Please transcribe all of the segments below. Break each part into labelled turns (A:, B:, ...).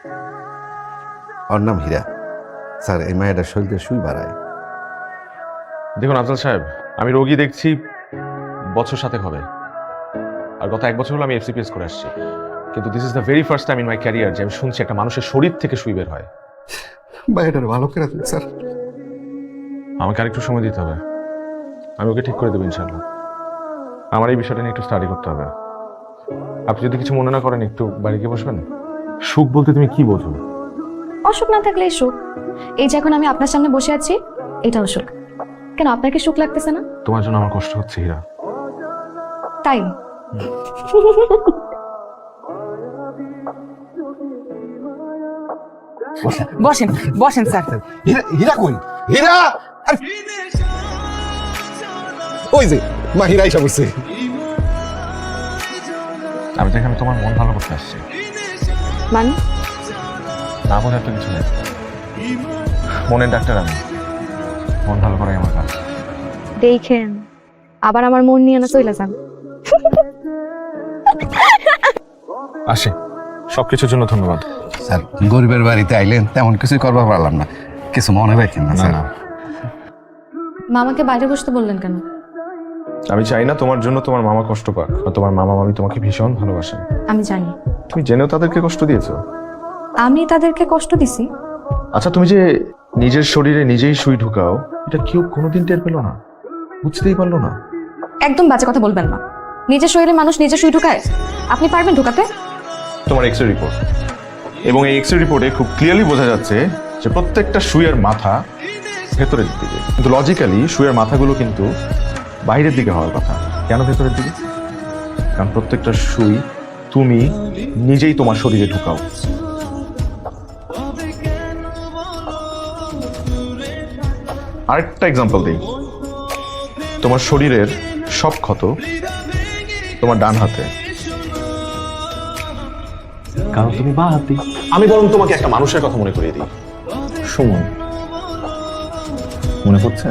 A: ওর নাম হীরা। স্যার এই মায়েরা শরীরে সুই বাড়ায়।
B: দেখুন আফজাল সাহেব, আমি রোগী দেখছি বছর 7 হবে, আর গত 1 বছর হলো আমি এফসিপিএস করে আসছি, কিন্তু this is the very first time in my career যে আমি শুনছি একটা মানুষের শরীর থেকে সুই বের হয়।
A: মায়েটার ভালো করে দিন স্যার।
B: আমাকে আরেকটু সময় দিতে হবে, আমি ওকে ঠিক করে দেবো ইনশাল্লাহ। আমার এই বিষয়টা নিয়ে একটু স্টাডি করতে হবে। আপনি যদি কিছু মনে না করেন একটু বাড়ি গিয়ে বসবেন। সুখ বলতে তুমি কি বোঝো?
C: অসুখ না থাকলেই সুখ। এই যে এখন আমি আপনার সামনে বসে আছি, এটাও সুখ। কেন আপনার কি সুখ লাগতেছে না?
B: তোমার জন্য আমার কষ্ট হচ্ছে হীরা।
C: তাই
D: বসেন বসেন স্যার।
A: হীরা, হীরা কই? হীরা! ওই যে মা হীরা এসে বসছে।
B: আমি তো এখানে তোমার মন ভালো করতে আসছি,
C: মানে
B: না বোঝার তো কিছু নেই। মনের ডাক্তার আমি, মন ভালো করাই আমার কাজ।
C: দেখেন আবার আমার মন নিয়ে না চলে যান।
B: আসি, সবকিছুর জন্য ধন্যবাদ।
A: স্যার গরিবের বাড়িতে আইলেন, তেমন কিছুই করবার পারলাম না, কিছু মনে রাখেন না স্যার।
C: মামাকে বাইরে বসতে বললেন কেন?
B: আমি চাই না তোমার জন্য তোমার মামা কষ্ট পাক, আর তোমার মামা মামি তোমাকে ভীষণ ভালোবাসেন।
C: আমি জানি
B: তুমি জেনেও তাদেরকে কষ্ট দিয়েছো।
C: আমি তাদেরকে কষ্ট দিছি।
B: আচ্ছা, তুমি যে নিজের শরীরে নিজেই সুই ঢুকাও, এটা কেউ কোনোদিন টের পেলো না, বুঝতেই পারলো না।
C: একদম বাজে কথা বলবেন না। নিজের শরীরে মানুষ নিজে সুই ঢুকায়, আপনি পারবেন ঢুকাতে?
B: তোমার এক্সরে রিপোর্ট, এবং এই এক্সরে রিপোর্টে খুব ক্লিয়ারলি বোঝা যাচ্ছে যে প্রত্যেকটা সুইয়ের মাথা ভেতরের দিকে, কিন্তু লজিক্যালি সুইয়ের মাথাগুলো কিন্তু বাইরের দিকে হওয়ার কথা। কেন ভেতরের দিকে? কারণ প্রত্যেকটা সুই তুমি নিজেই তোমার শরীরে ঢুকাও। আরেকটা এক্সাম্পল দিই, তোমার শরীরের সব ক্ষত তোমার ডান হাতে, কারণ তুমি বাঁ হাতি। আমি বরং তোমাকে একটা মানুষের কথা মনে করিয়ে দিই, সুমন। মনে পড়ছে?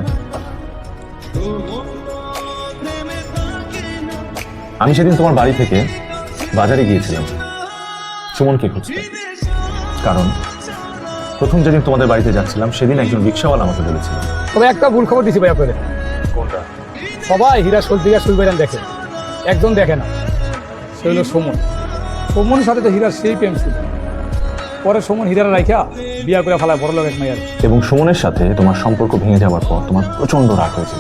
B: আমি সেদিন তোমার বাড়ি থেকে বাজারে গিয়েছিলাম সুমনকে খুঁজতে, কারণ প্রথম যেদিন তোমাদের বাড়িতে যাচ্ছিলাম সেদিন একজন রিক্সাওয়ালা আমাকে বলেছিল।
E: তবে একটা ভুল খবর দিছি ভাই আপনাদের।
B: কোনটা?
E: সবাই হীরা সলদিঘা সুইবেরান দেখে, একজন দেখে না, সে হলো সুমন। সুমনের সাথে তো হীরার সেই প্রেম ছিল, পরে সুমন হীরার রাইখা বিয়া করে ফেলায় বড় লোক এক মাইয়ার।
B: এবং সুমনের সাথে তোমার সম্পর্ক ভেঙে যাওয়ার পর তোমার প্রচন্ড রাগ হয়েছিল।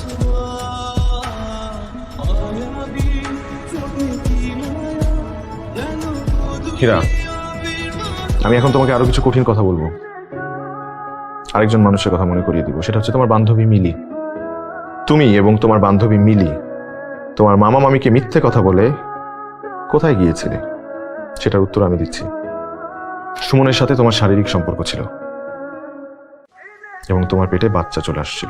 B: হীরা, আমি এখন তোমাকে আরো কিছু কঠিন কথা বলবো। আরেকজন মানুষের কথা মনে করিয়ে দিব, সেটা হচ্ছে তোমার বান্ধবী মিলি। তুমি এবং তোমার বান্ধবী মিলি তোমার মামা মামিকে মিথ্যে কথা বলে কোথায় গিয়েছিলে, সেটার উত্তর আমি দিচ্ছি। সুমনের সাথে তোমার শারীরিক সম্পর্ক ছিল এবং তোমার পেটে বাচ্চা চলে আসছিল।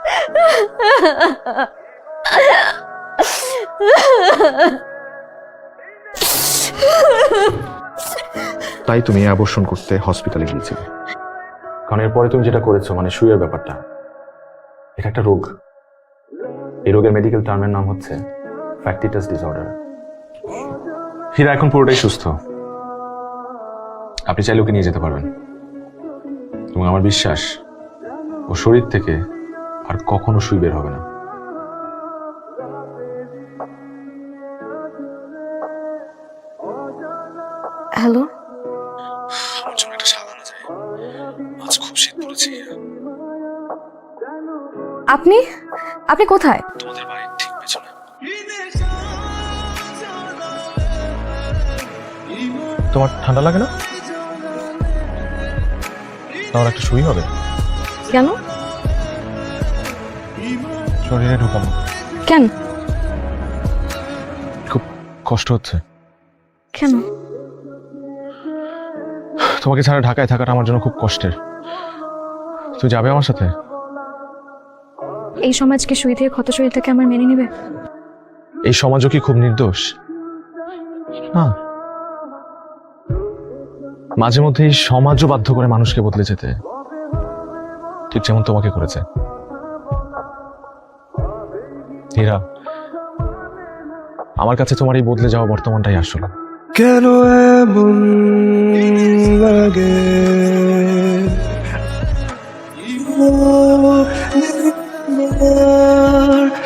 B: তাই তুমি অ্যাবর্শন করতে হসপিটালে গিয়েছিলে। কারণ এরপরে তুমি যেটা করেছো, মানে সুইয়ের ব্যাপারটা, এটা একটা রোগ। এই রোগের মেডিকেল টার্মের নাম হচ্ছে ফ্যাক্টিটাস ডিসঅর্ডার। হীরা এখন পুরোটাই সুস্থ, আপনি চাইলে ওকে নিয়ে যেতে পারবেন, এবং আমার বিশ্বাস ও শরীর থেকে আর কখনো সুই বের হবে না।
C: হ্যালো,
B: আমার জন্য একটা সাদা না যায়, আজ খুব শীত পড়েছে।
C: আপনি আপনি কোথায়?
B: তোমাদের বাড়ির ঠিক পেছনে। তোমার ঠান্ডা লাগে না? তোমার একটা সুই হবে।
C: কেন?
B: শরীরে ঢুকাবো।
C: কেন?
B: খুব কষ্ট হচ্ছে।
C: কেন?
B: তোমাকে ছাড়া ঢাকায় থাকাটা আমার জন্য খুব কষ্টের। তুই যাবে আমার সাথে?
C: এই সমাজকে সুই থেকে ক্ষত শরীরটাকে আমার মেনে নেবে?
B: এই সমাজও কি খুব নির্দোষ? না, মাঝে মধ্যে এই সমাজও বাধ্য করে মানুষকে বদলে যেতে, ঠিক যেমন তোমাকে করেছে। হীরা, আমার কাছে তোমার এই বদলে যাওয়া বর্তমানটাই আসল।
F: কেন এমন তোর